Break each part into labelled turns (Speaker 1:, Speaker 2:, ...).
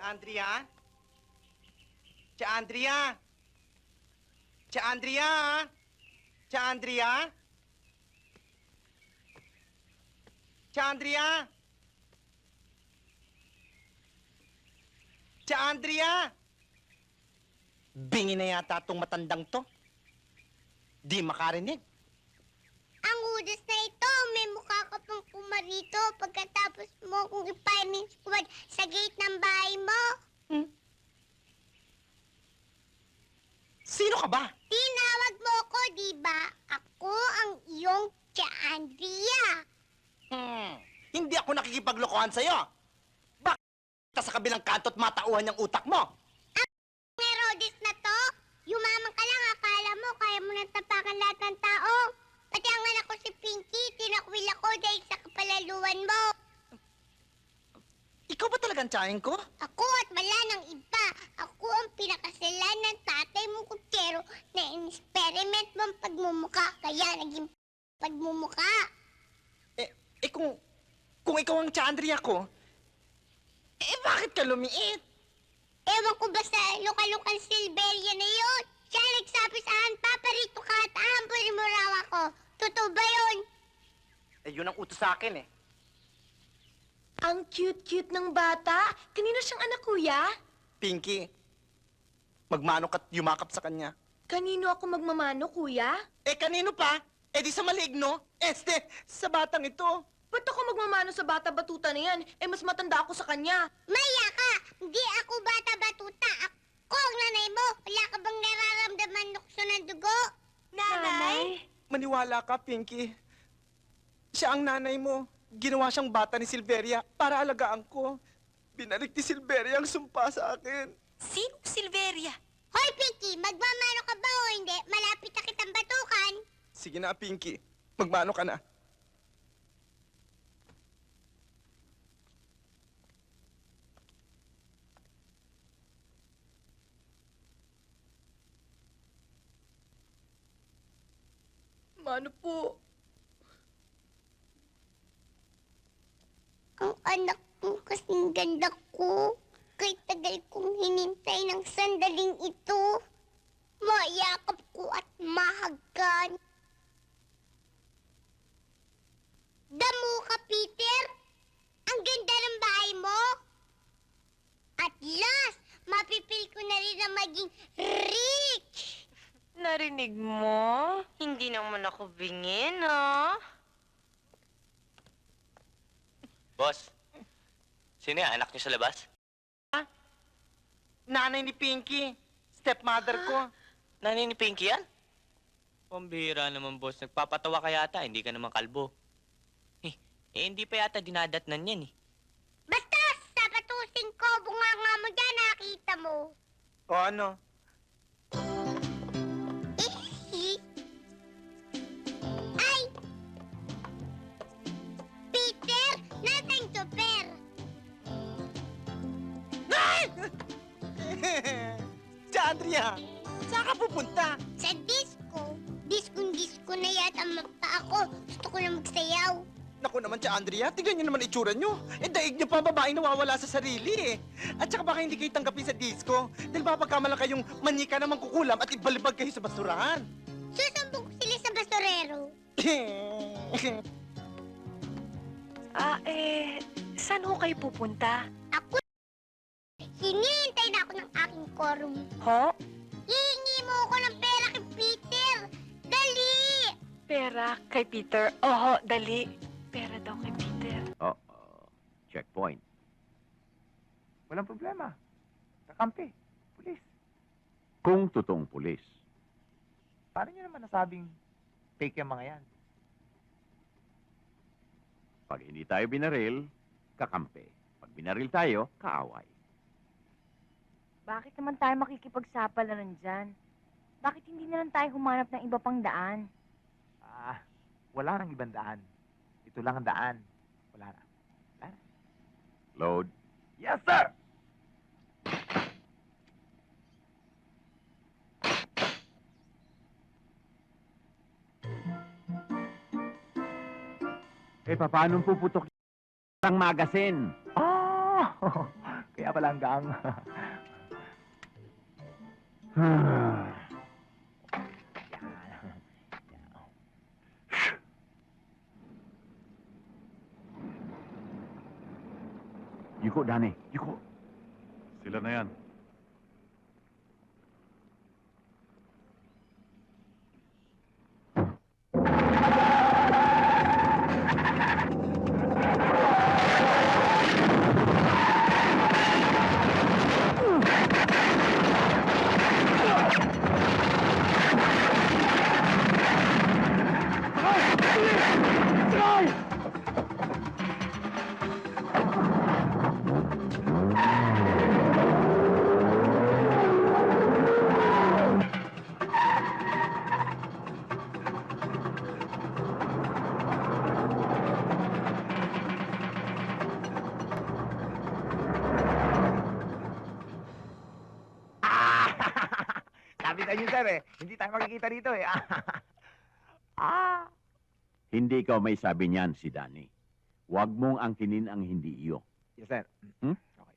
Speaker 1: Andrea? Tia Andrea? Tia Andrea? Tia Andrea? Tia Andrea? Tia Andrea? Bingi na yata itong matandang to. Di makarinig.
Speaker 2: Ang udas na ito, may mukha ka pang pumarito pagkatapos mo kung ipainin squad sa gate ng bahay mo.
Speaker 1: Sino ka ba?
Speaker 2: Tinawag mo ko, di ba? Ako ang iyong Tia Andrea.
Speaker 1: Hindi ako nakikipaglokohan sa'yo. Bakit sa kabilang kanto at matauhan yung utak mo?
Speaker 2: Herodes na to, yumaman ka lang, akala mo kaya mo nang tapakan lahat ng tao. Pati ang anak ko si Pinky, tinakwil ako dahil sa kapalaluan mo.
Speaker 1: Ikaw ba talagang tsahin ko?
Speaker 2: Ako at wala ng iba. Ako ang pinakasalan ng tatay mong kutsero na in-experiment mong pagmumuka. Kaya naging pagmumuka.
Speaker 1: Kung ikaw ang Tia Andrea ko, bakit ka lumiit?
Speaker 2: Ewan ko ba sa lokal-lokal Silveria na yun? Siya nagsabi sa akin, paparito ka at ahampunin mo raw ako. Totoo ba yun?
Speaker 1: Yun ang utos sa akin eh.
Speaker 3: Ang cute-cute ng bata. Kanino siyang anak, kuya?
Speaker 1: Pinky, magmanok at yumakap sa kanya.
Speaker 3: Kanino ako magmamano, kuya?
Speaker 1: Kanino pa? Di sa maligno? Sa batang ito.
Speaker 3: Ba't ako magmamano sa bata-batuta na yan? Mas matanda ako sa kanya.
Speaker 2: Maya ka! Hindi ako bata-batuta. Ako ang nanay mo. Wala ka bang nararamdaman nukso ng dugo?
Speaker 3: Nanay?
Speaker 1: Maniwala ka, Pinky. Siya ang nanay mo. Ginawa siyang bata ni Silveria para alagaan ko. Binalik ni Silveria ang sumpa sa akin.
Speaker 3: Sino Silveria?
Speaker 2: Hoy, Pinky! Magmamano ka ba o hindi? Malapit na kitang batukan.
Speaker 1: Sige na, Pinky. Magmano ka na.
Speaker 3: Mano po?
Speaker 2: Ang anak mo kasing ganda ko. Kay tagal kong hinintay ng sandaling ito. Mayakap ko at mahagkan. Damo ka, Peter. Ang ganda ng bahay mo. At last, mapipil ko na rin na maging rich.
Speaker 4: Narinig mo? Hindi naman ako bingin, ha?
Speaker 5: Boss, sino yan? Anak niyo sa labas?
Speaker 1: Nanay ni Pinky. Stepmother ko.
Speaker 5: Nanay ni Pinky yan? Pambihira naman, boss. Nagpapatawa ka yata. Hindi ka naman kalbo. Hindi pa yata dinadatnan yan, eh.
Speaker 2: Basta, sapatusin ko, bunganga mo dyan, nakita mo.
Speaker 1: O ano?
Speaker 2: Ay! Peter, nasaan super?
Speaker 1: Tia Andrea, saan ka pupunta?
Speaker 2: Sa disco. Diskong-disco na yata mata ako. Gusto ko na magsayaw.
Speaker 1: Naku naman, Tia Andrea, tignan niyo naman itsura niyo. Daig niyo pa babaeng nawawala sa sarili eh. At saka baka hindi kayo tanggapin sa disco. Dahil baka pagkamalang kayong manika naman kukulam at ibalibag kayo sa basurahan.
Speaker 2: Susumbong ko sila sa basurero.
Speaker 3: Saan ho kayo pupunta?
Speaker 2: Ako, hinihintay na ako ng aking quorum.
Speaker 3: Ho?
Speaker 2: Hihingi mo ako ng pera kay Peter. Dali!
Speaker 3: Pera kay Peter. Oho, dali. Pera daw kay Peter.
Speaker 6: Checkpoint. Walang problema. Kakampi. Pulis. Kung totoong pulis. Paano nyo naman nasabing fake yung mga yan? Pag hindi tayo binaril, kakampi. Pag binaril tayo, kaaway.
Speaker 4: Bakit naman tayo makikipagsapalaran dyan? Bakit hindi na lang tayo humanap ng iba pang daan?
Speaker 6: Wala nang ibang daan. Ito lang ang daan. Wala na. Load. Yes, sir! Paano puputok ang magasin? Kaya pala hanggang... Yuko, Dani. Yuko.
Speaker 7: Sila na yan.
Speaker 6: Sabi sa inyo, sir, eh. Hindi tayo makikita dito, eh.
Speaker 8: Hindi ikaw may sabi niyan, si Danny. Huwag mong angkinin ang hindi iyo.
Speaker 6: Yes, sir.
Speaker 8: Hmm?
Speaker 6: Okay.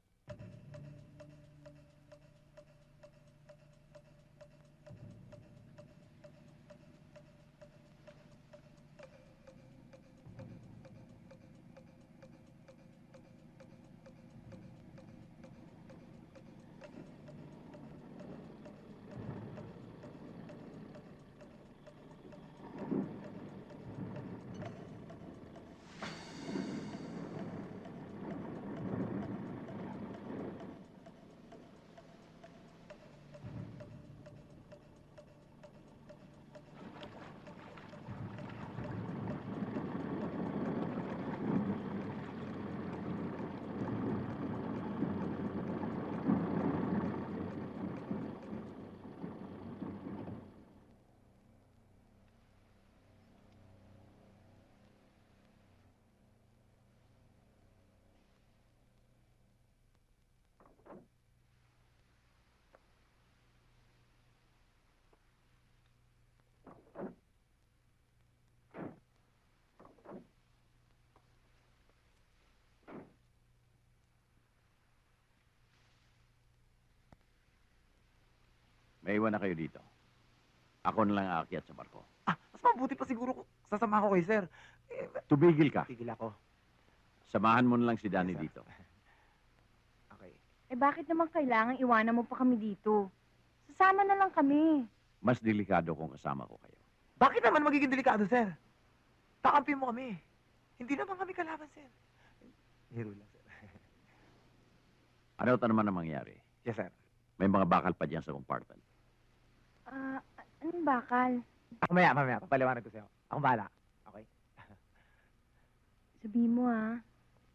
Speaker 8: May iwan na kayo dito. Ako na lang aakyat sa barko.
Speaker 6: Mas mabuti pa siguro kung sasama ko kay sir.
Speaker 8: Tumigil ka.
Speaker 6: Tigil ako.
Speaker 8: Samahan mo na lang si Danny
Speaker 6: Yes, sir.
Speaker 8: dito.
Speaker 6: Okay.
Speaker 4: Eh bakit naman kailangan iwanan mo pa kami dito? Sasama na lang kami.
Speaker 8: Mas delikado kung kasama ko kayo.
Speaker 6: Bakit naman magiging delikado, sir? Kakampi mo kami. Hindi naman kami kalaban, sir. Hero lang, sir.
Speaker 8: Ano ito naman ang mangyari?
Speaker 6: Yes, sir.
Speaker 8: May mga bakal pa dyan sa compartment.
Speaker 4: Anong bakal?
Speaker 6: Mamaya. Papaliwanag ko sa'yo. Akong bahala. Okay?
Speaker 4: Sabihin mo ah.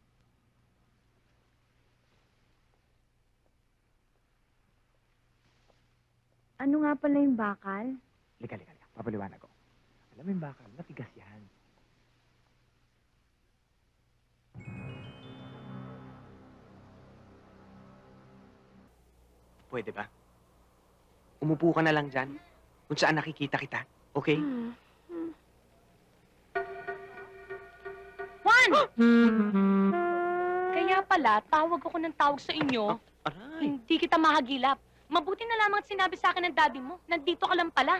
Speaker 4: Ano nga pala yung bakal?
Speaker 6: Lika. Papaliwanag ko. Alam mo yung bakal, matigas yan.
Speaker 9: Pwede ba? Umupo ka na lang dyan, kung saan nakikita kita, okay?
Speaker 10: Juan! Kaya pala, tawag ako ng tawag sa inyo.
Speaker 9: Aray!
Speaker 10: Hindi kita mahagilap. Mabuti na lamang at sinabi sa akin ng daddy mo. Nandito ka lang pala.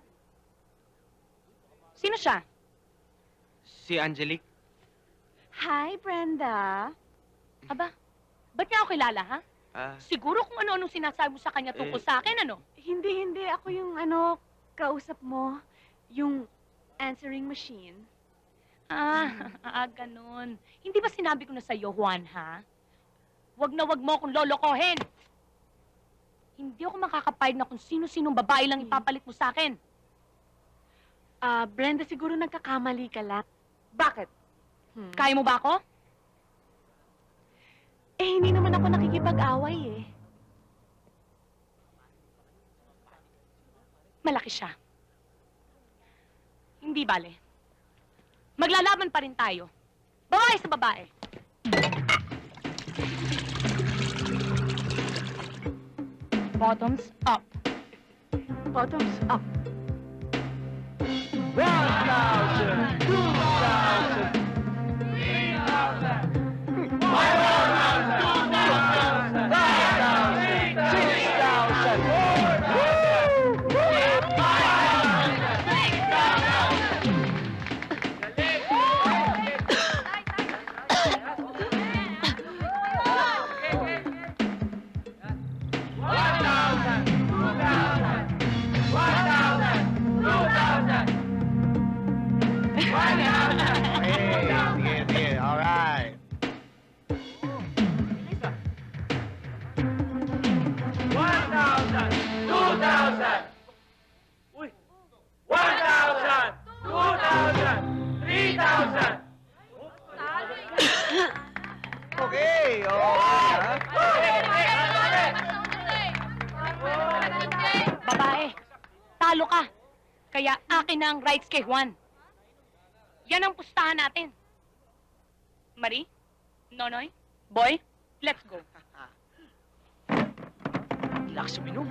Speaker 10: Sino siya?
Speaker 9: Si Angelique,
Speaker 10: Hi, Brenda. Aba, ba't niya ako kilala, ha? Siguro kung ano-anong sinasabi mo sa kanya tungkol sa akin, ano?
Speaker 3: Hindi. Ako yung kausap mo. Yung answering machine.
Speaker 10: Ganun. Hindi ba sinabi ko na sa'yo, Juan, ha? Wag na wag mo akong lolokohin. Hindi ako makakapayag na kung sino-sinong babae lang ipapalit mo sa akin.
Speaker 3: Brenda, siguro nagkakamali ka lang.
Speaker 10: Bakit? Kaya mo ba ako?
Speaker 3: Hindi naman ako nakikipag-away eh.
Speaker 10: Malaki siya. Hindi bale. Maglalaban pa rin tayo. Babae sa babae. Bottoms up.
Speaker 3: Bottoms up.
Speaker 6: 1,000! 2,000! 3,000! 5,000!
Speaker 10: akin na ang rights kay Juan. Yan ang pustahan natin. Marie? Nonoy? Boy? Let's go.
Speaker 5: Lakas uminom.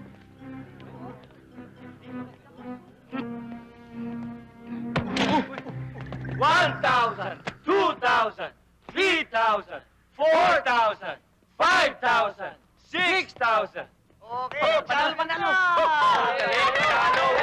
Speaker 11: 1,000, 2,000, 3,000, 4,000, 5,000, 6,000.
Speaker 1: Okay, panalo, panalo.
Speaker 11: Panalo,